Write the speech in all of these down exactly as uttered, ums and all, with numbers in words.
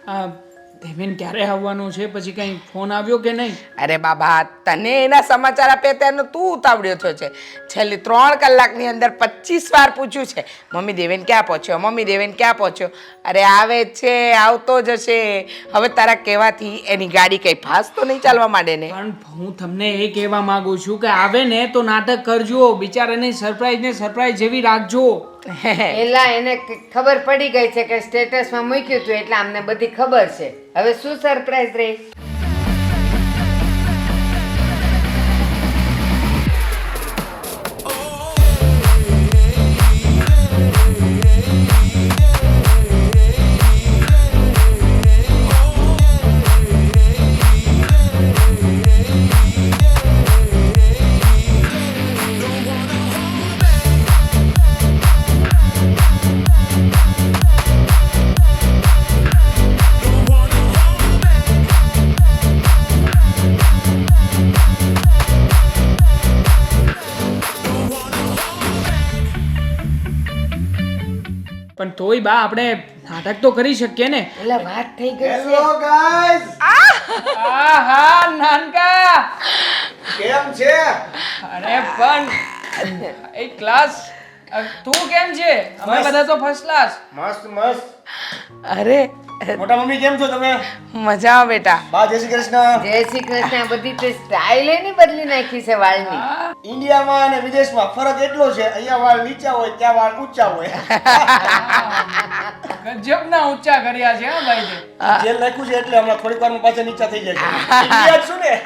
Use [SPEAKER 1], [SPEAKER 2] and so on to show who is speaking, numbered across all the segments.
[SPEAKER 1] આ દેવેન ક્યારે આવવાનું છે? પછી કંઈ ફોન આવ્યો કે નહીં?
[SPEAKER 2] અરે બાબા, તને એના સમાચાર આપે ત્યારનો તું ઉતાવળ્યો થયો છે. છેલ્લી ત્રણ કલાકની અંદર પચીસ વાર પૂછ્યું છે, મમ્મી દેવેન ક્યાં પહોંચ્યો, મમ્મી દેવેન ક્યાં પહોંચ્યો. અરે આવે જ છે, આવતો જ હશે. હવે તારા કહેવાથી એની ગાડી કંઈ ફાસ તો નહીં ચાલવા માંડે ને?
[SPEAKER 1] પણ હું તમને એ કહેવા માંગુ છું કે આવે ને તો નાટક કરજો, બિચારાને સરપ્રાઈઝ ને સરપ્રાઈઝ જેવી રાખજો.
[SPEAKER 3] એલા એને ક- ખબર પડી ગઈ છે કે સ્ટેટસમાં મૂક્યું હતું એટલે અમને બધી ખબર છે. હવે શું સરપ્રાઈઝ રહી?
[SPEAKER 1] પણ તોય બા આપણે નાટક તો કરી શકીએ ને.
[SPEAKER 3] એલા વાત થઈ ગઈ છે.
[SPEAKER 4] હેલો ગાઈસ,
[SPEAKER 1] આ હા નાનકા.
[SPEAKER 4] કેમ છે?
[SPEAKER 1] અરે પણ એ ક્લાસ તું કેમ છે? અમે બધા તો ફર્સ્ટ ક્લાસ.
[SPEAKER 4] મસ્ત મસ્ત.
[SPEAKER 2] અરે
[SPEAKER 4] મોટા મમ્મી કેમ છો તમે?
[SPEAKER 2] મજામાં બેટા.
[SPEAKER 4] બા જય શ્રી કૃષ્ણ.
[SPEAKER 3] જય શ્રી કૃષ્ણ. આ બધી તે સ્ટાઇલ એની બદલી નાખી છે વાળની.
[SPEAKER 4] ઇન્ડિયામાં અને વિદેશમાં ફરક એટલો છે, અહીંયા વાળ નીચા હોય ત્યાં વાળ ઊંચા હોય.
[SPEAKER 1] ગજબના ઊંચા કર્યા છે હા ભાઈ તે.
[SPEAKER 4] જેલ લખ્યું છે એટલે હમણાં થોડીક વારમાં પાછા નીચા થઈ જશે. ઇન્ડિયા જ છું ને.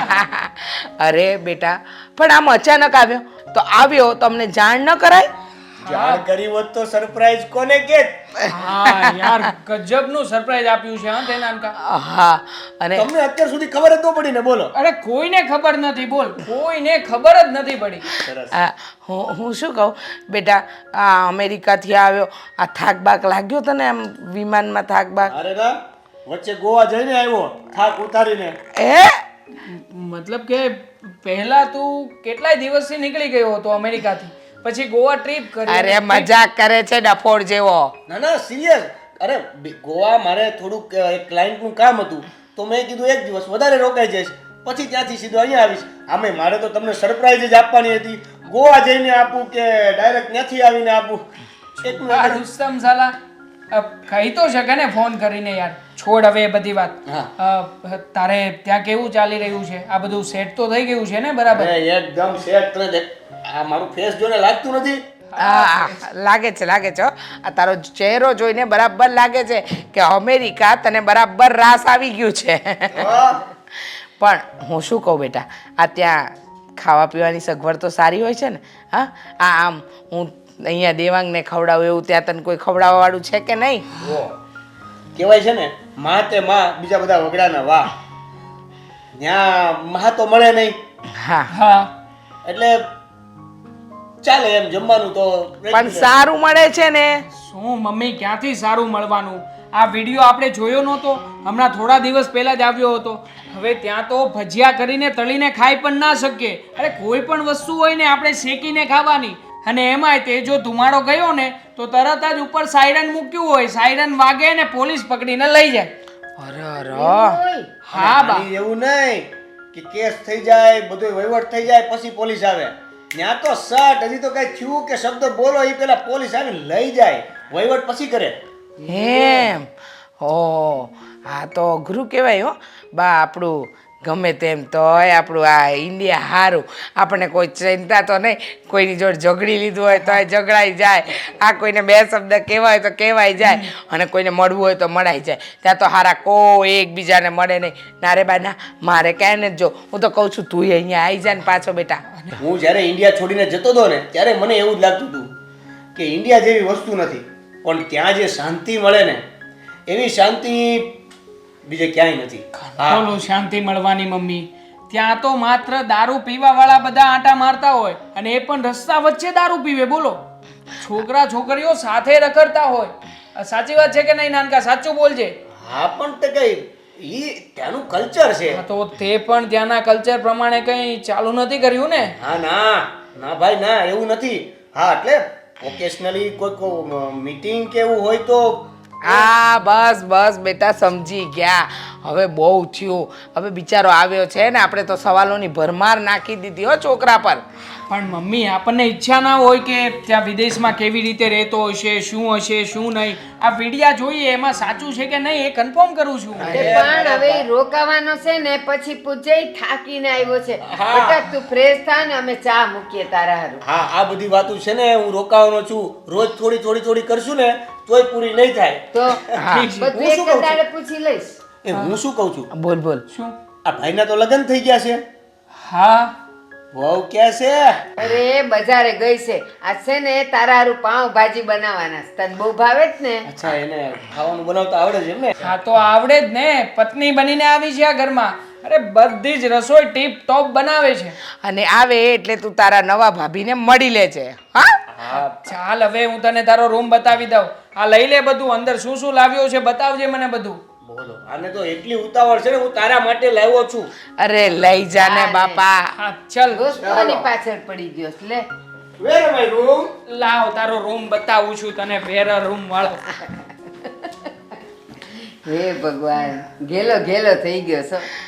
[SPEAKER 2] અરે બેટા, પણ આમ અચાનક આવ્યો તો આવ્યો તમને જાણ ન કરાય?
[SPEAKER 4] જાણ કરી હોત તો સરપ્રાઈઝ કોને કેત?
[SPEAKER 1] હા યાર ગજબનું સરપ્રાઈઝ આપ્યું છે હા તે નાનકા.
[SPEAKER 2] હા, અને
[SPEAKER 4] તમને અત્યાર સુધી ખબર જ ન પડી ને, બોલો.
[SPEAKER 1] અરે કોઈને ખબર નથી, બોલ, કોઈને ખબર જ નથી પડી.
[SPEAKER 4] સરસ.
[SPEAKER 2] આ, હું હું શું કહું બેટા, આ અમેરિકાથી આવ્યો, આ થાક બાક લાગ્યો તને આમ વિમાનમાં થાક બાક?
[SPEAKER 4] અરે ના, વચ્ચે ગોવા જઈને આવ્યો થાક ઉતારીને.
[SPEAKER 2] એ
[SPEAKER 1] મતલબ કે પહેલા તું કેટલાય દિવસથી નીકળી ગયો હતો અમેરિકાથી, પછી ગોવા ટ્રીપ કરી.
[SPEAKER 2] અરે મજાક કરે છે ડફોડ જેવો.
[SPEAKER 4] ના ના સિરિયસ. અરે બી- ગોવા મારે થોડુંક અ, એક ક્લાયન્ટનું કામ હતું તો મેં કીધું એક દિવસ વધારે રોકાઈ જઈશ, પછી ત્યાંથી સીધો અહીંયા આવીશ. આમે મારે તો તમને સરપ્રાઈઝ જ આપવાની હતી. ગોવા જઈને આપું કે ડાયરેક્ટ ત્યાંથી આવીને આપું? એટલું
[SPEAKER 1] આ
[SPEAKER 4] આગળ-
[SPEAKER 1] રુસ્તમ સાલા અ, કહી તો શકે ને ફોન કરીને યાર. છોડ હવે એ બધી વાત.
[SPEAKER 4] હા.
[SPEAKER 1] અ, તારે ત્યાં કેવું ચાલી રહ્યું છે? આ બધું સેટ તો થઈ ગયું છે ને બરાબર?
[SPEAKER 4] અરે એકદમ સેટ. તને દેખ- આ મારું ફેસ જોઈને લાગતું નથી?
[SPEAKER 2] હા લાગે છે લાગે છે હો. આ તારો ચહેરો જોઈને બરાબર લાગે છે કે અમેરિકા તને બરાબર રાસ આવી ગયું છે.
[SPEAKER 4] હા.
[SPEAKER 2] પણ હું શું કહું બેટા, આ ત્યાં ખાવા પીવાની સગવડ તો સારી હોય છે ને? હા, આ આમ હું અહીંયા દેવાંગને ખવડાવું એવું ત્યાં તને કોઈ ખવડાવવા વાળું છે કે નહીં?
[SPEAKER 4] ઓ, કહેવાય છે ને, માં તે માં, બીજા બધા વગડાના વાહ. ત્યાં માં તો મળે નહીં
[SPEAKER 2] હા,
[SPEAKER 1] હા
[SPEAKER 4] એટલે ચાલે એમ જમવાનું તો
[SPEAKER 2] પણ સારું મળે છે ને.
[SPEAKER 1] શું મમ્મી, ક્યાંથી સારું મળવાનું? આ વિડીયો આપણે જોયો નહોતો? હમણાં થોડા દિવસ પહેલા જ આવ્યો હતો. હવે ત્યાં તો ભજીયા કરીને તળીને ખાઈ પણ ના શકીએ. અરે કોઈ પણ વસ્તુ હોય ને આપણે શેકીને ખાવાની. અને એમાંય તે જો ધુમાડો ગયો ને તો તરત જ ઉપર સાયરન મૂક્યું હોય, સાયરન વાગે ને પોલીસ પકડીને લઈ જાય.
[SPEAKER 2] અરે અરે
[SPEAKER 3] ઓય,
[SPEAKER 1] હા બા.
[SPEAKER 4] આની એવું નહીં કે કેસ થઈ જાય, બધો વહીવટ થઈ જાય પછી પોલીસ આવે. ત્યાં તો સટ હજી તો કઈ થયું કે શબ્દ બોલો એ પેલા પોલીસ આવીને લઈ જાય, વહીવટ પછી કરે.
[SPEAKER 2] એમ હો, આ તો અઘરું કહેવાય હો બા. આપણું ગમે તેમ તોય આપણું આ ઇન્ડિયા સારું. આપણને કોઈ ચિંતા તો નહીં, કોઈની જોડે ઝઘડી લીધું હોય તો ઝઘડાઈ જાય, આ કોઈને બે શબ્દ કહેવાય હોય તો કહેવાય જાય, અને કોઈને મળવું હોય તો મળાઈ જાય. ત્યાં તો હારા કોઈ એકબીજાને મળે નહીં. ના રે બા ના, મારે ક્યાંય નથી જો. હું તો કહું છું તું અહીંયા આવી જાય ને પાછો બેટા.
[SPEAKER 4] હું જ્યારે ઇન્ડિયા છોડીને જતો હતો ને ત્યારે મને એવું જ લાગતું હતું કે ઇન્ડિયા જેવી વસ્તુ નથી, પણ ત્યાં જે શાંતિ મળે ને એવી શાંતિ બીજે ક્યાંય નથી. હા.
[SPEAKER 1] બોલો શાંતિ મળવાની મમ્મી. ત્યાં તો માત્ર દારૂ પીવા વાળા બધા આંટા મારતા હોય, અને એ પણ રસ્તા વચ્ચે દારૂ પીવે. બોલો, છોકરા છોકરીઓ સાથે રખડતા હોય. આ સાચી વાત છે કે નહીં નાનકા? સાચું બોલજે.
[SPEAKER 4] હા પણ તે કઈ ઈ ત્યાંનું કલ્ચર છે.
[SPEAKER 1] હા, તો તે પણ ત્યાંના કલ્ચર પ્રમાણે કંઈ ચાલુ નથી કર્યું ને?
[SPEAKER 4] હા ના ના ભાઈ ના, એવું નથી. હા એટલે ઓકેશનલી કોઈ મીટિંગ કે એવું હોય તો
[SPEAKER 2] હા બસ બસ બેટા સમજી ગયા. હવે બહુ થયું. હવે બિચારો આવ્યો છે ને આપણે તો સવાલોની ભરમાર નાખી દીધી હો છોકરા પર.
[SPEAKER 1] પણ મમ્મી આપણને ઈચ્છા ના હોય કે ત્યાં વિદેશમાં કેવી રીતે રહેતો હશે, શું હશે, શું નહીં. આ વિડિયા જોઈએ એમાં સાચું છે કે નહીં એ કન્ફર્મ કરું છું.
[SPEAKER 3] તે પણ હવે ઈ રોકાવાનો છે ને પછી પૂજે થાકીને આવ્યો છે. બેટા તું ફ્રેશ થા ને અમે ચા મૂકીએ તારા હારું.
[SPEAKER 4] હા આ બધી વાતો છે ને હું રોકાવાનો છું. રોજ થોડી થોડી થોડી કરશું ને તોય પૂરી નહીં થાય.
[SPEAKER 3] તો
[SPEAKER 1] ઠીક છે.
[SPEAKER 3] બધું
[SPEAKER 4] હું
[SPEAKER 3] એક
[SPEAKER 4] શું
[SPEAKER 3] જ
[SPEAKER 4] કહું છું?
[SPEAKER 3] દાડે પૂછી લઈશ.
[SPEAKER 4] એ હું શું કહું છું,
[SPEAKER 2] બોલ બોલ.
[SPEAKER 1] શું?
[SPEAKER 4] આ ભાઈના તો લગ્ન થઈ ગયા છે.
[SPEAKER 1] હા
[SPEAKER 4] વહુ ક્યાં છે?
[SPEAKER 3] અરે બજારે ગઈ છે. આ છે ને તારા હારું પાઉં ભાજી બનાવવાના છે. તને બહુ ભાવે જ ને?
[SPEAKER 4] અચ્છા એને ખાવાનું બનાવતા આવડે છે એમ ને?
[SPEAKER 1] હા તો આવડે જ ને. પત્ની બનીને આવી છે આ ઘરમાં. અરે બધી જ રસોઈ ટીપ ટોપ બનાવે છે.
[SPEAKER 2] અને આવે એટલે તું તારા નવા ભાભીને મળી લેજે. હા
[SPEAKER 4] હા
[SPEAKER 1] ચાલ હવે હું તને તારો રૂમ બતાવી દઉં. આ લઈ લે બધું, અંદર શું શું લાવ્યો છે બતાવજે મને બધું.
[SPEAKER 4] બોલો આને તો એટલી ઉતાવળ છે ને હું તારા માટે લાવ્યો છું.
[SPEAKER 2] અરે લઈ જા ને બાપા.
[SPEAKER 1] હા ચલ
[SPEAKER 3] દોસ્તોની પાછળ પડી ગયો છે. લે
[SPEAKER 4] વેર માય રૂમ.
[SPEAKER 1] લાવ તારો રૂમ બતાવું છું તને. વેર રૂમ વાળો.
[SPEAKER 3] હે ભગવાન, ઘેલો ઘેલો થઈ ગયો છો.